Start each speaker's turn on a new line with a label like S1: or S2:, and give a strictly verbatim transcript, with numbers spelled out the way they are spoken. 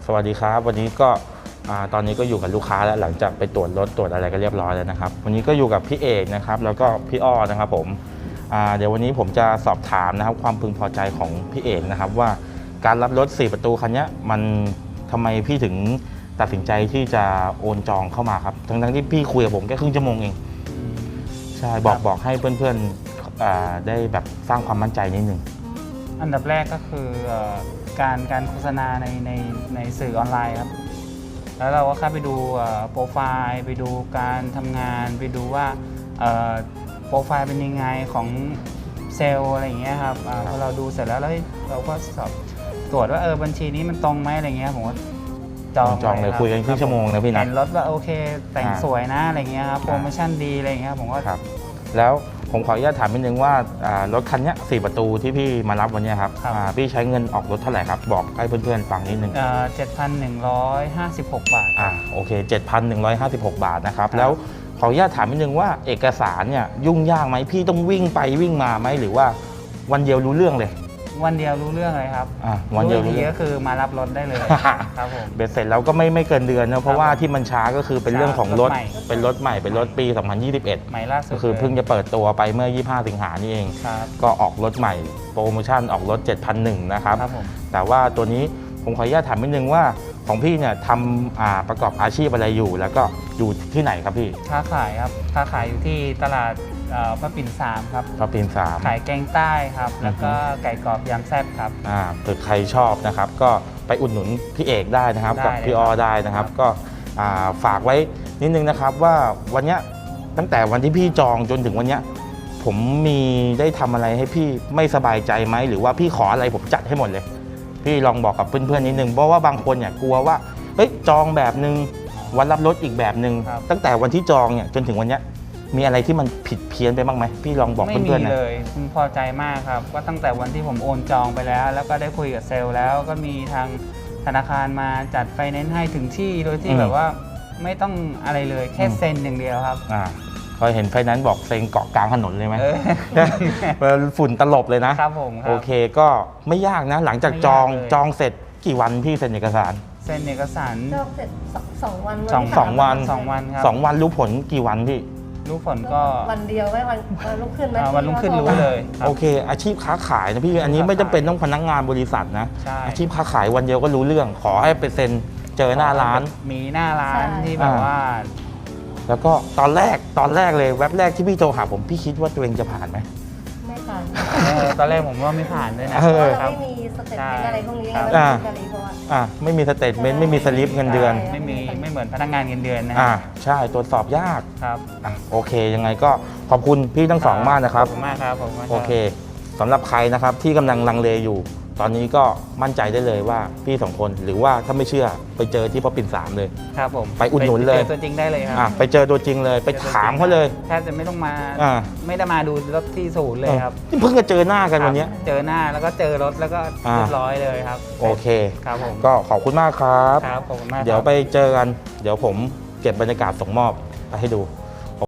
S1: สวัสดีครับวันนี้ก็ตอนนี้ก็อยู่กับลูกค้าแล้วหลังจากไปตรวจรถตรวจอะไรก็เรียบร้อยแล้วนะครับวันนี้ก็อยู่กับพี่เอกนะครับแล้วก็พี่อ้อนะครับผมเดี๋ยววันนี้ผมจะสอบถามนะครับความพึงพอใจของพี่เอกนะครับว่าการรับรถสี่ประตูคันนี้มันทำไมพี่ถึงตัดสินใจที่จะโอนจองเข้ามาครับทั้งๆที่พี่คุยกับผมแค่ครึ่งชั่วโมงเองใช่บอกบอกให้เพื่อนๆได้แบบสร้างความมั่นใจนิดนึง
S2: อันดับแรกก็คือการการโฆษณาในในในสื่อออนไลน์ครับแล้วเราก็เข้าไปดูโปรไฟล์ไปดูการทำงานไปดูว่าโปรไฟล์เป็นยังไงของเซลล์อะไรอย่างเงี้ยครับพอเราดูเสร็จแล้วเราก็สอบตรวจว่าเออบัญชีนี้มันตรงไหมอะไรเงี้ยผมก็จอง
S1: จองเลยคุยกันครึ่งชั่วโมงนะพี่นะ
S2: เห็นรถว่าโอเคแต่งสวยนะอะไรเงี้ยครับโปรโมชั่นดีอะไรเงี้ยผมก็
S1: ครับแล้วผมขออนุญาตถามนิดนึงว่ารถคันนี้สี่ประตูที่พี่มารับวันนี้ครับพี่ใช้เงินออกรถเท่าไหร่ครับบอกให้เพื่อนๆฟังนิดนึง
S2: เจ็ดพันหนึ่งร้อยห้าสิบหกบาท
S1: อ่าโอเค เจ็ดพันหนึ่งร้อยห้าสิบหก บาทนะครับแล้วขออนุญาตถามนิดนึงว่าเอกสารเนี่ยยุ่งยากไหมพี่ต้องวิ่งไปวิ่งมาไหมหรือว่าวันเดียวรู้เรื่องเลย
S2: วันเดียวรู้เรื่องเลยครับ
S1: วันเดียวรู้
S2: เรื่องก็คือมารับรถได้เลยครับผม
S1: เบ็ดเสร็จแล้วก็ไม่ไม่เกินเดือนนะเพราะว่าที่มันช้าก็คือเป็นเรื่องของรถเป็นรถใหม่เป็นรถปีสองพันยี่สิบเอ็ด
S2: ใหม่ล่าสุด
S1: ก็คือเพิ่งจะเปิดตัวไปเมื่อยี่สิบห้าสิงหานี่เองก็ออกรถใหม่โปรโมชั่นออกรถ เจ็ดพันหนึ่ง นะครับแต่ว่าตัวนี้ผมขออนุญาตถามนิดนึงว่าของพี่เนี่ยทำประกอบอาชีพอะไรอยู่แล้วก็อยู่ที่ไหนครับพี่
S2: ค้าขายครับค้าขายอยู่ที่ตลาดพระปิ่นสามครับ
S1: พระปิ่นสาม
S2: ขายแกงใต้ครับแล้วก็ไก่กรอบยำแซ่บครับ
S1: อ่าเผื่อใครชอบนะครับก็ไปอุดหนุนพี่เอกได้นะครับกับพี่ออได้นะครับก็ฝากไว้นิดนึงนะครับว่าวันนี้ตั้งแต่วันที่พี่จองจนถึงวันนี้ผมมีได้ทำอะไรให้พี่ไม่สบายใจไหมหรือว่าพี่ขออะไรผมจัดให้หมดเลยพี่ลองบอกกับเพื่อนๆนิดนึงเพราะว่าบางคนเนี่ยกลัวว่าเฮ้ยจองแบบนึงวันรับรถอีกแบบนึงตั้งแต่วันที่จองเนี่ยจนถึงวันนี้มีอะไรที่มันผิดเพี้ยนไปบ้างไหมพี่ลองบอกเพื่อนๆหน่อย
S2: ไม่มีเลยผมพอใจมากครับก็ตั้งแต่วันที่ผมโอนจองไปแล้วแล้วก็ได้คุยกับเซลล์แล้วก็มีทางธนาคารมาจัดไฟแนนซ์ให้ถึงที่โดยที่แบบว่าไม่ต้องอะไรเลยแค่เซ็นอย่างเดียวครับ
S1: อ่าพอเห็นไฟแนนซ์บอกเซ็นเกาะกลางถนนเลยไหมฝุ่นตลบเลยนะครับ
S2: ผม
S1: โอเคก็ไม่ยากนะหลังจากจองจองเสร็จกี่วันพี่เซ็นเอกสาร
S2: เซ็นเอกสาร
S3: จองเสร็จสองวัน
S1: สองสองวัน
S2: สองวันครับ
S1: สองวันรู้ผลกี่วันพี่
S2: รู้ผลก็
S3: วันเดียวไม่วันวันรุ่งขึ้นไหม
S2: วันรุ่งขึ้นรู้เลย
S1: โอเคอาชีพค้าขายนะพี่อันนี้ไม่จำเป็นต้องพนักงานบริษัทนะอาชีพค้าขายวันเดียวก็รู้เรื่องขอให้ไปเซ็นเจอหน้าร้าน
S2: มีหน้าร้านที่แบบว่า
S1: แล้วก็ตอนแรกตอนแรกเลยแว็บแรกที่พี่โทรหาผมพี่คิดว่าตัวเองจะผ่านไหม
S3: ไม่ผ่าน
S2: ตอนแรกผมว่าไม่ผ่านด้วยนะ
S3: เพราะเราไม่มีสเตทเมนต์อะไรพวกนี้ไม่มีสลิปเพราะว่า
S1: อ่าไม่มีสเตทเมนต์ไม่มีสลิปเงินเดือน
S2: ไม่มีไม่เหมือนพนักงานเงินเดือนนะ
S1: อ่าใช่ตรวจสอบยาก
S2: ครับ
S1: อ่ะโอเคยังไงก็ขอบคุณพี่ทั้งสองมากนะครับ
S2: ขอบคุณมากครับผม
S1: โอเคสำหรับใครนะครับที่กำลังลังเลอยู่ตอนนี้ก็มั่นใจได้เลยว่าพี่สองคนหรือว่าถ้าไม่เชื่อไปเจอที่พระปิ่นสามเลย
S2: ครับผม
S1: ไปอุดหนุนเลย
S2: ไปเจอตัวจริงได้เลยครับ
S1: ไปเจอตัวจริงเลยไปถามเขาเลย
S2: แทบจะไม่ต้องมาไม่ได้มาดูรถที่ศูนย์เลยครับ
S1: เพิ่งจะเจอหน้ากันวันนี้
S2: เจอหน้าแล้วก็เจอรถแล้วก็เรียบร้อยเลยครับ
S1: โอเค
S2: ครับผม
S1: ก็ขอบคุณมากครับ
S2: ครับขอบคุณมาก
S1: เดี๋ยวไปเจอกันเดี๋ยวผมเก็บบรรยากาศส่งมอบไปให้ดู